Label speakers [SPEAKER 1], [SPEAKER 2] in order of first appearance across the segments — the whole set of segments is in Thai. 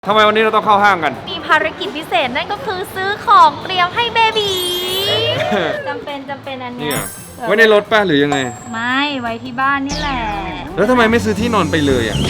[SPEAKER 1] ทำไมวันนี้เราต้องเข้าห้างกัน
[SPEAKER 2] มีภารกิจพิเศษนั่นก็คือซื้อของเตรียมให้เบบีจำเป็นอันเนี้ย
[SPEAKER 1] ไว้ในรถป่ะหรือยังไง
[SPEAKER 2] ไม่ไว้ที่บ้านนี่แหละ
[SPEAKER 1] แล้วทำไมไม่ซื้อที่นอนไปเลยอ่ะ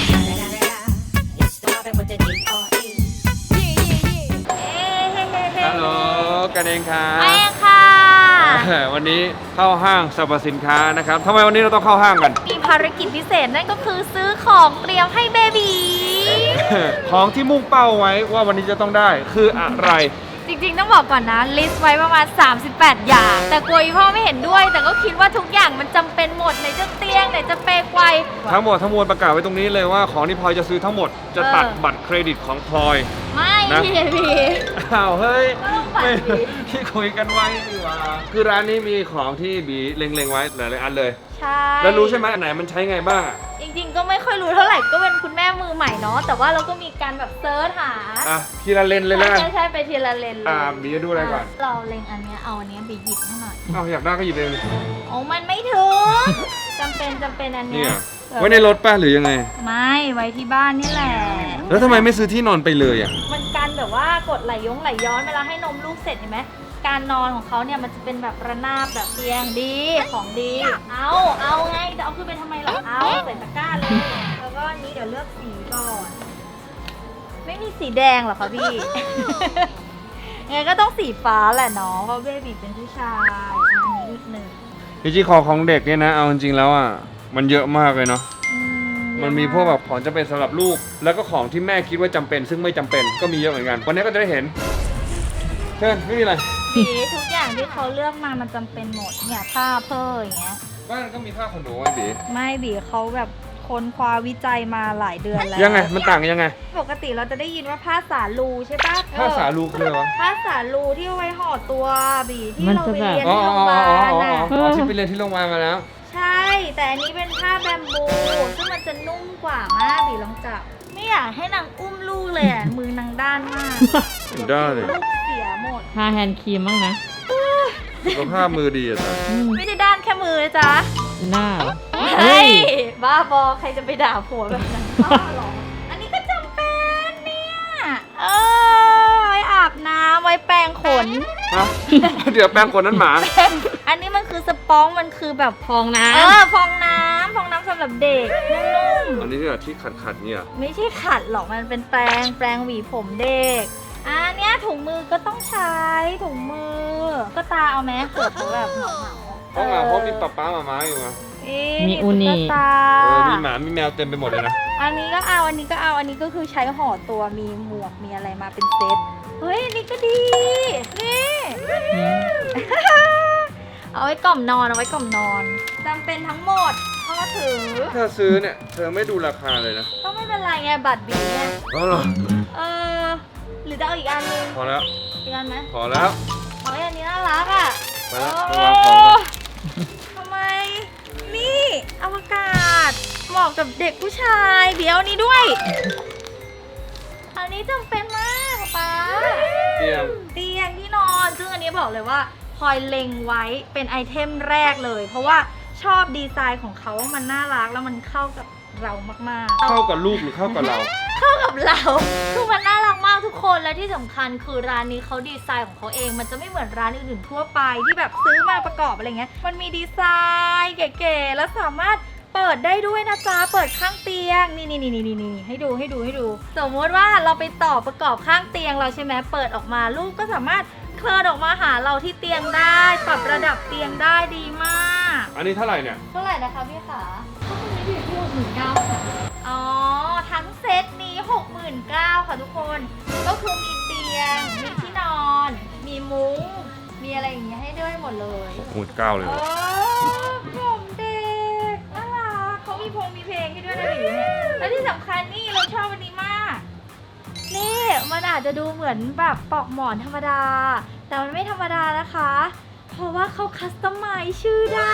[SPEAKER 1] ฮัลโหลกันเองครั
[SPEAKER 2] ไป
[SPEAKER 1] บ
[SPEAKER 2] ค่ะ
[SPEAKER 1] วันนี้เข้าห้างสรรพสินค้านะครับทำไมวันนี้เราต้องเข้าห้างกัน
[SPEAKER 2] มีภารกิจพิเศษนั่นก็คือซื้อของเตรียมให้เบบี
[SPEAKER 1] ของที่มุ่งเป้าไว้ว่าวันนี้จะต้องได้คืออะไร
[SPEAKER 2] จริงๆต้องบอกก่อนนะลิสต์ไว้ประมาณ38 อย่าง แต่กลัวอีพ่อไม่เห็นด้วย แต่ก็คิดว่าทุกอย่างมันจำเป็นหมดไหนจะเตียงไหนจะเปรย์ไกว
[SPEAKER 1] ทั้งหมดทั้งมวลประกาศไว้ตรงนี้เลยว่าของที่พลอยจะซื้อทั้งหมดจะตัดบัตรเครดิตของพลอย
[SPEAKER 2] ไม่
[SPEAKER 1] นะ
[SPEAKER 2] พี่
[SPEAKER 1] อ้าวเฮ้ย
[SPEAKER 2] ก็ต้องบัตร
[SPEAKER 1] ไม่
[SPEAKER 2] ดิ
[SPEAKER 1] ที่คุยกันไว้ดีกว่าคือร้านนี้มีของที่บีเล็งๆไว้หลายๆอันเลย
[SPEAKER 2] ใช่
[SPEAKER 1] แล้วรู้ใช่ไหมอันไหนมันใช้ไงบ้างอะ
[SPEAKER 2] จริงๆก็ไม่ค่อยรู้เท่าไหร่ก็เป็นคุณแม่มือใหม่เนาะแต่ว่าเราก็มีการแบบเซิร์ชหา
[SPEAKER 1] อ่ะทีละเลนเลยแล้วกัน
[SPEAKER 2] ใช่ไปทีละเลนเลย
[SPEAKER 1] บีจะดูอะไรก่อน
[SPEAKER 2] เราเล็งอันเนี้ยเอาอันเนี้ยไปหยิบให้หน่อย
[SPEAKER 1] อ้าวอยากได้ก็หยิบเองเลย
[SPEAKER 2] โอ้มันไม่ถึงจำเป็นอัน
[SPEAKER 1] นี่
[SPEAKER 2] เนี้ย
[SPEAKER 1] อ่ะไว้ในรถป่ะหรือยังไง
[SPEAKER 2] ไม่ไว้ที่บ้านนี่แหละ
[SPEAKER 1] แล้วทำไมไม่ซื้อที่นอนไปเลยอ่ะ
[SPEAKER 2] มันการแบบว่ากดไหลย้อนเวลาให้นมลูกเสร็จเห็นไหมการนอนของเขาเนี่ยมันจะเป็นแบบระนาบแบบเตียงดีของดีเอาไงจะเอาขึ้นไปทำไมล่ะเอาใส่ตะกร้าเลยแล้วก็อันนี้เดี๋ยวเลือกสีก่อน ไม่มีสีแดงเหรอคะพี่ งั้นก็ต้องสีฟ้าแหละเนาะเพราะเบบีเป็นผู้ชายอันนี้อีกหนึ่ง
[SPEAKER 1] จริงๆของเด็กเนี่ยนะเอาจริงๆแล้วอ่ะมันเยอะมากเลยเนาะมันมีพวกแบบของจำเป็นสำหรับลูกแล้วก็ของที่แม่คิดว่าจำเป็นซึ่งไม่จำเป็นก็มีเยอะเหมือนกันวันนี้ก็จะได้เห็นเชิญไม่มีอะไร
[SPEAKER 2] สีทุกอย่างที่เขาเลือกมามันจำเป็นหมดเนี่ยผ้าเพ้ออย่างเงี้ย
[SPEAKER 1] บ้านก็มีผ้าขนหนูไว้บี
[SPEAKER 2] ไม่บีเขาแบบค้นคว้าวิจัยมาหลายเดือนแล้ว
[SPEAKER 1] ยังไงมันต่างยังไง
[SPEAKER 2] ปกติเราจะได้ยินว่าผ้าสาลูใช่ปะ
[SPEAKER 1] ผ้าสาลูคืออะไรวะ
[SPEAKER 2] ผ้าสาลูที่เอาไว้ห่อตัวบีที่
[SPEAKER 3] มัน
[SPEAKER 2] เรา
[SPEAKER 3] จะ
[SPEAKER 2] ไป
[SPEAKER 3] แบบ
[SPEAKER 2] เรียน
[SPEAKER 1] อ๋อ
[SPEAKER 2] ที่โรงพยาบาลน่ะ
[SPEAKER 1] ที่ไปเรียนที่โรงพยาบาลมาแล้ว
[SPEAKER 2] ใช่ แต่อันนี้เป็นผ้าแบมบูซึ่งมันจะนุ่มกว่ามากบีลองจับไม่อยากให้นางอุ้มลูกเลยอ่ะมือนางด้านมาก
[SPEAKER 1] ได้เลย
[SPEAKER 2] ลูกเสียหมด
[SPEAKER 3] ทาแฮนด์ครีมบ้างนะ
[SPEAKER 1] สุขภาพมือดีอ่ะจ๊ะ
[SPEAKER 2] ไม่ได้ด้านแค่มือนะจ๊ะ
[SPEAKER 3] หน้าเหรอ
[SPEAKER 2] เฮ้ยบ้าบอใครจะไปด่าผัวแบบนั้นบ้าหรออันนี้ก็จำเป็นเนี่ยไว้อาบน้ำไว้แปรงขน
[SPEAKER 1] ฮะ เดี๋ยวแปรงขนนั้นหมา
[SPEAKER 2] อันนี้มันคือสปองมันคือแบบ
[SPEAKER 3] ฟองน้
[SPEAKER 2] ฟองน้ำสำหรับเด็กนุ่ม
[SPEAKER 1] อันนี้ที่แบบที่ขัดๆเนี่ย
[SPEAKER 2] ๆไม่ใช่ขัดหรอกมันเป็นแปรงหวีผมเด็กอันเนี้ยถุงมือก็ต้องใช้ถุงมือ ก็ตาเอาไหมเกิดเขาแบบเหงา
[SPEAKER 1] เพราะเพราะมีป๊าหมาอยู่ไง
[SPEAKER 3] มีอูนิ
[SPEAKER 2] ตา
[SPEAKER 1] มีหมามีแมวเต็มไปหมดเลยนะ
[SPEAKER 2] อันนี้ก็เอาอันนี้ก็คือใช้ห่อตัวมีหมวกมีอะไรมาเป็นเซตเฮ้ยอันนี้ก็ดีนี่ เอาไว้กล่อมนอนจำเป็นทั้งหมดพ่อถือ
[SPEAKER 1] เธอซื้อเนี่ยเธอไม่ดูราคาเลยนะ
[SPEAKER 2] ก็ไม่เป็นไรไงบัตรบีเนี่ย
[SPEAKER 1] อ๋อเหรอ
[SPEAKER 2] หรือจะเอาอีกอันนึง
[SPEAKER 1] พอแล้ว
[SPEAKER 2] อีกอันไหม
[SPEAKER 1] พอแล้ว
[SPEAKER 2] เฮ้ยอันนี้น่ารักอ่ะ
[SPEAKER 1] ไปแล้ว
[SPEAKER 2] โอ้
[SPEAKER 1] ไปวางของก่อน
[SPEAKER 2] ทำไมนี่อวกาศเหมาะกับเด็กผู้ชายเดี๋ยวนี้ด้วย อันนี้จำเป็นมากป๊า
[SPEAKER 1] เตรียม
[SPEAKER 2] เตียงที่นอนซึ่งอันนี้บอกเลยว่าพลอยเล็งไว้เป็นไอเทมแรกเลย เพราะว่าชอบดีไซน์ของเขามันน่ารักแล้วมันเข้ากับเรามากๆ
[SPEAKER 1] เข้ากับลูกหรือเข้ากับเรา
[SPEAKER 2] เข้ากับเรา คือมันน่ารักมากทุกคน และที่สำคัญคือร้านนี้เขาดีไซน์ของเขาเอง มันจะไม่เหมือนร้านอื่นๆทั่วไปที่แบบซื้อมาประกอบอะไรเงี้ย มันมีดีไซน์เก๋ๆ แล้วสามารถเปิดได้ด้วยนะจ๊ะ เปิดข้างเตียง นี่ให้ดู สมมติว่าเราไปต่อประกอบข้างเตียงเราใช่ไหมเปิดออกมาลูกก็สามารถเคลื่อนออกมาหาเราที่เตียงได้ ปรับระดับเตียงได้ดีมาก
[SPEAKER 1] อันนี้เท่าไหร่เนี่ย
[SPEAKER 2] เท่าไหร่นะคะพี่ขาอ๋อ ทั้งเซตนี้ 69,000ค่ะทุกคน ก็คือมีเตียง มีที่นอน มีมุ้ง มีอะไรอย่างเงี้ยให้ด้วยหมดเลย
[SPEAKER 1] 69,000เลย
[SPEAKER 2] ผมเด็กน่ารักเขามีเพลงให้ด้วยนะหรือเนี่ยและที่สำคัญนี่เราชอบอันนี้มาก นี่มันอาจจะดูเหมือนแบบปลอกหมอนธรรมดา แต่มันไม่ธรรมดานะคะ เพราะว่าเขาคัสตอมไมซ์ชื่อได้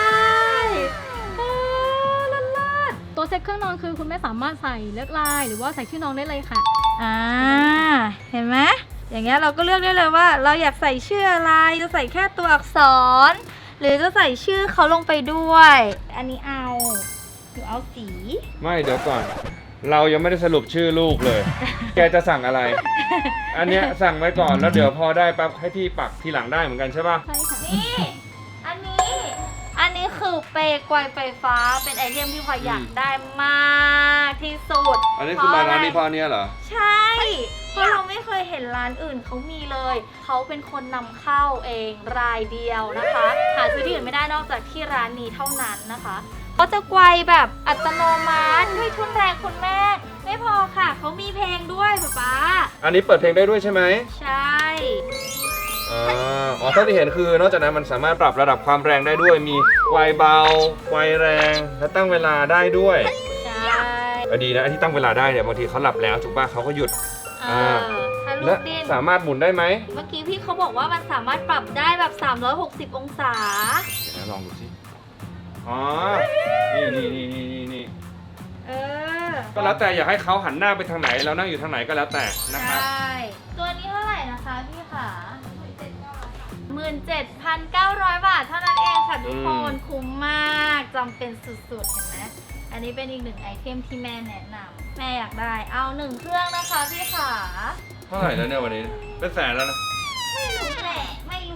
[SPEAKER 2] ลัด
[SPEAKER 4] ตัวเซ็ตเครื่องนอนคือคุณแม่สามารถใส่เลือกลายหรือว่าใส่ชื่อน้องได้เลยค่ะ
[SPEAKER 2] เห็นไหมอย่างเงี้ยเราก็เลือกได้เลยว่าเราอยากใส่ชื่ออะไรจะใส่แค่ตัวอักษร หรือจะใส่ชื่อเขาลงไปด้วย อันนี้เอาหรือเอาสี
[SPEAKER 1] ไม่เดี๋ยวก่อนเรายังไม่ได้สรุปชื่อลูกเลย แกจะสั่งอะไร อันเนี้ยสั่งไว้ก่อนแล้วเดี๋ยวพอได้ปั๊บให้พี่ปักทีหลังได้เหมือนกันใช่ป่ะ
[SPEAKER 4] ใช่ค่ะ
[SPEAKER 2] นี่ อันนี้คือเปรย์ไกวไฟฟ้าเป็นไอเทมที่พลอยอยากได้มากที่สุด
[SPEAKER 1] อันนี้คือมาร้านนี้เพ
[SPEAKER 2] เพะ
[SPEAKER 1] ราะอันเนี้ยเหรอ
[SPEAKER 2] ใช่ เพราะเราไม่เคยเห็นร้านอื่นเขามีเลย เขาเป็นคนนำเข้าเองรายเดียวนะคะ หาซื้อที่อื่นไม่ได้นอกจากที่ร้านนี้เท่านั้นนะคะเขาจะไกวแบบอัตโนมัติด้วยทุนแรงคุณแม่ ไม่พอค่ะเขามีเพลงด้วยป๊า
[SPEAKER 1] อันนี้เปิดเพลงได้ด้วยใช่ไหม
[SPEAKER 2] ใช่
[SPEAKER 1] อ๋อเท่าที่เห็นคือนอกจากนั้นมันสามารถปรับระดับความแรงได้ด้วย มีไกวเบาไกวแรงและตั้งเวลาได้ด้วย
[SPEAKER 2] ใช่
[SPEAKER 1] ดีนะไอ้ที่ตั้งเวลาได้เนี่ยบางทีเขาหลับแล้วถูกป่ะเขาก็หยุด
[SPEAKER 2] ถ้าลู
[SPEAKER 1] และ
[SPEAKER 2] กดิ้น
[SPEAKER 1] สามารถหมุนได้ไหม
[SPEAKER 2] เมื่อกี้พี่เขาบอกว่ามันสามารถปรับได้แบบ 360 องศา
[SPEAKER 1] เดี๋ยวนะลองดูสิอ๋อนี่
[SPEAKER 2] เออ
[SPEAKER 1] ก็แล้วแต่อยากให้เขาหันหน้าไปทางไหนแล้วนั่งอยู่ทางไหนก็แล้วแต่นะครับ
[SPEAKER 2] ใช่ ตัวนี้เท่าไหร่นะคะพี่ขา17,900 บาทเท่านั้นเองค่ะทุกคนคุ้มมากจำเป็นสุดๆเห็นไหมอันนี้เป็นอีกหนึ่งไอเทมที่แม่แนะนำแม่อยากได้เอา1เครื่องนะคะพี่ขา
[SPEAKER 1] เท่าไหร่แล้วเนี่ยวันนี้เป็นแสนแล้วนะ
[SPEAKER 2] ไม่รู้แหละ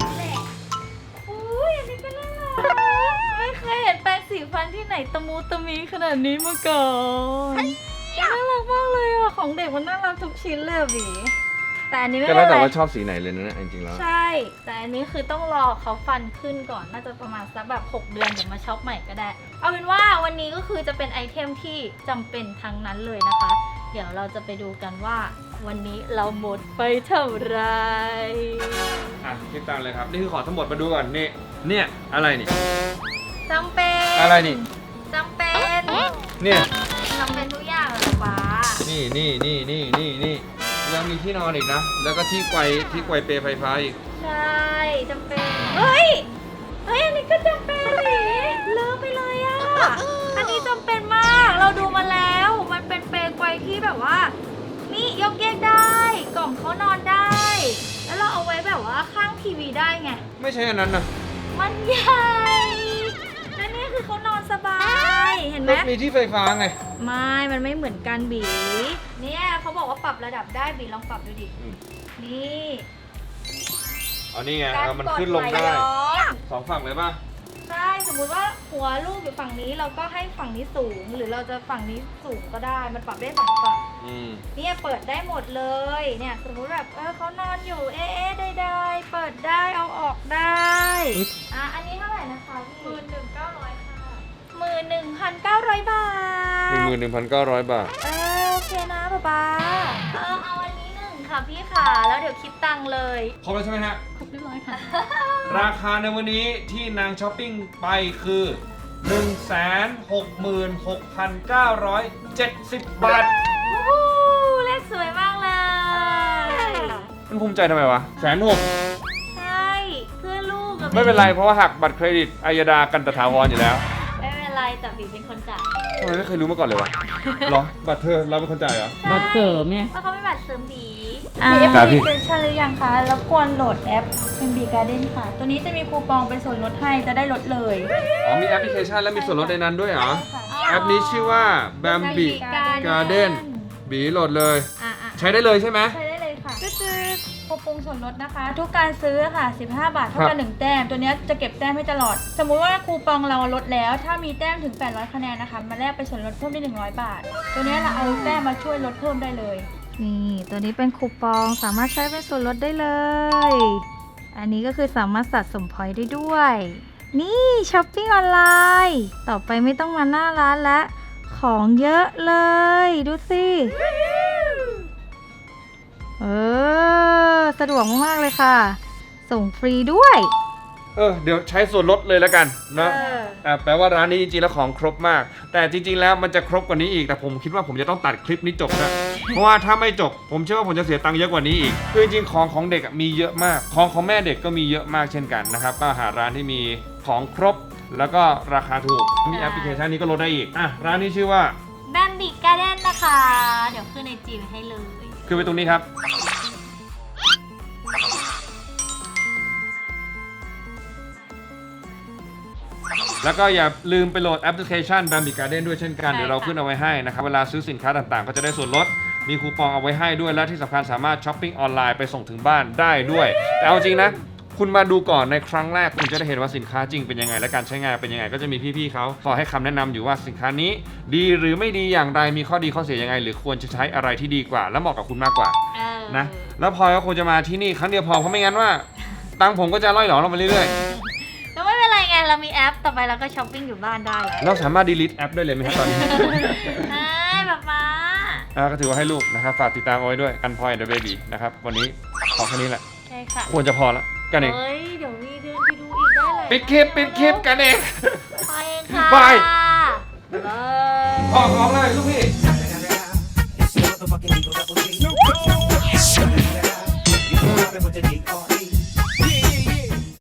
[SPEAKER 2] อุ้ยอันนี้ก็น่ารักไม่เคยเห็นแปรงสีฟันที่ไหนตะมูตะมีขนาดนี้มาก่อนน่ารักมากเลยอ่ะของเด็กมันน่ารักทุกชิ้นเลยอะบีแต่อันนี้ไม่
[SPEAKER 1] ก็
[SPEAKER 2] เป็
[SPEAKER 1] แล้ว
[SPEAKER 2] น
[SPEAKER 1] แต่
[SPEAKER 2] ไร
[SPEAKER 1] ว่าชอบสีไหนเลยนะจริงๆแล้ว
[SPEAKER 2] ใช่ แต่อันนี้คือต้องรอเขาฟันขึ้นก่อนน่าจะประมาณสักแบบ6 เดือนเดี๋ยวมาช็อปใหม่ก็ได้ เอาเป็นว่าวันนี้ก็คือจะเป็นไอเทมที่จำเป็นทั้งนั้นเลยนะคะ เดี๋ยวเราจะไปดูกันว่า วันนี้เราหมดไปเท่าไหร
[SPEAKER 1] อ่ะคิดตังค์เลยครับนี่คือของทั้งหมดมาดูก่อนนี่เนี่ยอะไรนี่
[SPEAKER 2] จำเป็น
[SPEAKER 1] อะไรนี่
[SPEAKER 2] จำเป็น
[SPEAKER 1] เนี่ย
[SPEAKER 2] จำเป็นทุกอย่างเลยฟ้า
[SPEAKER 1] นี่ยังมีที่นอนอีกนะ แล้วก็ที่ไกวเปรย์ไฟฟ้าอีก
[SPEAKER 2] ใช่จำเป็นเฮ้ยอันนี้ก็จำเป็นดิเลิกไปเลยอ่ะ อันนี้จำเป็นมาก เราดูมาแล้ว มันเป็นเปรย์ไกวที่แบบว่า นี่ยกแยกได้ กล่องเขานอนได้ แล้วเราเอาไว้แบบว่าข้างทีวีได้ไง
[SPEAKER 1] ไม่ใช่อันนั้นนะ
[SPEAKER 2] มันใหญ่และนี่คือเขานอนสบาย เห็นไหม
[SPEAKER 1] มีที่ไฟฟ้าไง
[SPEAKER 2] ไม่ มันไม่เหมือนกันบี เนี่ยเขาบอกว่าปรับระดับได้บีลองปรับดูดิ
[SPEAKER 1] อืม
[SPEAKER 2] นี่
[SPEAKER 1] อ๋อนี่ไง
[SPEAKER 2] การ
[SPEAKER 1] มัน
[SPEAKER 2] กด
[SPEAKER 1] ขึ้นลง
[SPEAKER 2] ไหล
[SPEAKER 1] ได้
[SPEAKER 2] ย้อน
[SPEAKER 1] สองฝั่งเลยป่ะ
[SPEAKER 2] ใช่ สมมุติว่าหัวลูกอยู่ฝั่งนี้เราก็ให้ฝั่งนี้สูง หรือเราจะฝั่งนี้สูงก็ได้ มันปรับได้สองฝั่ง
[SPEAKER 1] อืม
[SPEAKER 2] เนี่ยเปิดได้หมดเลย เนี่ยสมมุติแบบเขานอนอยู่ได้เปิดได้เอาออกได้อันนี้เท่าไหร่นะคะพี่11,900 ค่ะ11,900 บาท
[SPEAKER 1] 11,900 บาท
[SPEAKER 2] โอเคนะป๊าเอาอันนี้1ค่ะพี่ค่ะ แล้วเดี๋ยวคิดตังค์เลย
[SPEAKER 1] ครบแล้วใช่ไหมฮะ
[SPEAKER 4] ครบเรียบร้อยค่ะ
[SPEAKER 1] ราคาในวันนี้ที่นางช้อปปิ้งไปคือ 166,970 บาท
[SPEAKER 2] วู้เลขสวยมากเลย
[SPEAKER 1] มันภูมิใจทำไมวะ160,000
[SPEAKER 2] ใช่เพื่อลูกกับ
[SPEAKER 1] ไม่เป็นไรเพราะว่าหักบัตรเครดิตอัยดากันตถาวรอยู่แล้ว
[SPEAKER 2] ไม่เป็นไรแต่บีเป็นคนจ่าย
[SPEAKER 1] ทำไมไม่เคยรู้มาก่อนเลยวะ เหรอ บัตรเธอเราเป็นคนจ่ายเหรอ
[SPEAKER 3] บัตรเสริมไง
[SPEAKER 2] เพราะเขาไม่บัตรเสริมบี
[SPEAKER 1] ครับพี่
[SPEAKER 2] แอปพลิเคชันหรือยังคะแล้วควรโหลดแอปเป็นบีการ์เด้นค่ะ ตัวนี้จะมีคูปองเป็นส่วนลดให้จะได้ลดเลย
[SPEAKER 1] อ๋อมีแอปพลิเคชันและมีส่วนลดในนั้นด้วยเหรอ
[SPEAKER 2] ค่ะ
[SPEAKER 1] แอปนี้ชื่อว่า Bambi Garden บีโหลดเลย ใช้ได้เลยใช่ไหม
[SPEAKER 2] ใช้ได้เลยค่ะก็คือคูปองส่วนลดนะคะ ทุกการซื้อค่ะ15 บาทเท่ากัน1แต้มตัวนี้จะเก็บแต้มให้ตลอด สมมุติว่าคูปองเราลดแล้ว ถ้ามีแต้มถึง800คะแนนนะคะมาแลกเป็นส่วนลดเพิ่มได้100 บาท ตัวนี้เราเอาแต้มมาช่วยลดเพิ่มได้เลยนี่ตัวนี้เป็นคูปองสามารถใช้เป็นส่วนลดได้เลย อันนี้ก็คือสามารถสะสมพอยต์ได้ด้วย นี่ช้อปปิ้งออนไลน์ต่อไปไม่ต้องมาหน้าร้านแล้วของเยอะเลยดูสิสะดวกมากๆเลยค่ะ ส่งฟรีด้วย
[SPEAKER 1] เดี๋ยวใช้ส่วนลดเลยแล้วกันเนาะแปลว่าร้านนี้จริงๆแล้วของครบมาก แต่จริงๆแล้วมันจะครบกว่านี้อีก แต่ผมคิดว่าผมจะต้องตัดคลิปนี้จบนะ เพราะว่าถ้าไม่จบ ผมเชื่อว่าผมจะเสียตังค์เยอะกว่านี้อีก คือจริงๆของเด็กมีเยอะมาก ของแม่เด็กก็มีเยอะมากเช่นกันนะครับ ก็หาร้านที่มีของครบ แล้วก็ราคาถูก มีแอปพลิเคชันนี้ก็ลดได้อีก ร้านนี้ชื่อว่า
[SPEAKER 2] Bambi Garden นะคะ เดี๋ยวขึ้นในจีให้เลย
[SPEAKER 1] คือไปตรงนี้ครับ
[SPEAKER 2] เ
[SPEAKER 1] แล้วก็อย่าลืมไปโหลดแอปพลิเคชัน Bamboo Garden ด้วยเช่นกัน
[SPEAKER 2] ใช่
[SPEAKER 1] เดี๋ยวเรา
[SPEAKER 2] ค่ะ
[SPEAKER 1] ขึ้นเอาไว้ให้นะครับ เวลาซื้อสินค้าต่างๆ ก็จะได้ส่วนลด มีคูปองเอาไว้ให้ด้วย และที่สำคัญสามารถช้อปปิ้งออนไลน์ไปส่งถึงบ้านได้ด้วย แต่เอาจริงนะ คุณมาดูก่อนในครั้งแรกคุณจะได้เห็นว่าสินค้าจริงเป็นยังไงและการใช้งานเป็นยังไงก็จะมีพี่ๆเขาขอให้คำแนะนำอยู่ว่าสินค้านี้ ดีหรือไม่ดีอย่างไรมีข้อดีข้อเสียยังไง หรือควรจะใช้อะไรที่ดีกว่า และเหมาะกับคุณมากกว่า
[SPEAKER 2] เออ
[SPEAKER 1] นะแล้วพลอยก็คงจะมาที่นี่ครั้งเดียวพอเพราะไม่งั้นว่า ตังค์ผมก็จะล่อยหลอลงไปเรื่อย
[SPEAKER 2] แล้วไม่เป็นไรไงเรามีแอปต่อไปเราก็ช้อปปิ้งอยู่บ้านได้แล้ว
[SPEAKER 1] ๆเราสามารถ delete แอปได้เลยไหมครับตอนนี้
[SPEAKER 2] ใช่ป๊าป๊า
[SPEAKER 1] ก็ถือว่าให้ลูกนะครับฝากติดตามเอาไว้ด้วยกันพลอยเดอะเบบี้นะครับวันนี้ขอแค่นี้แหละ
[SPEAKER 2] ใช่ค่ะ
[SPEAKER 1] ควรจะพอแล้วกันเอง
[SPEAKER 2] เฮ้ยเดี๋ยวมีเดินไปดูอีกได้เลย
[SPEAKER 1] ปิดคลิปกันเอง
[SPEAKER 2] ไปเองค่ะ
[SPEAKER 1] บาย
[SPEAKER 2] บ๊ายบาย
[SPEAKER 1] ออกเลยลูกพี่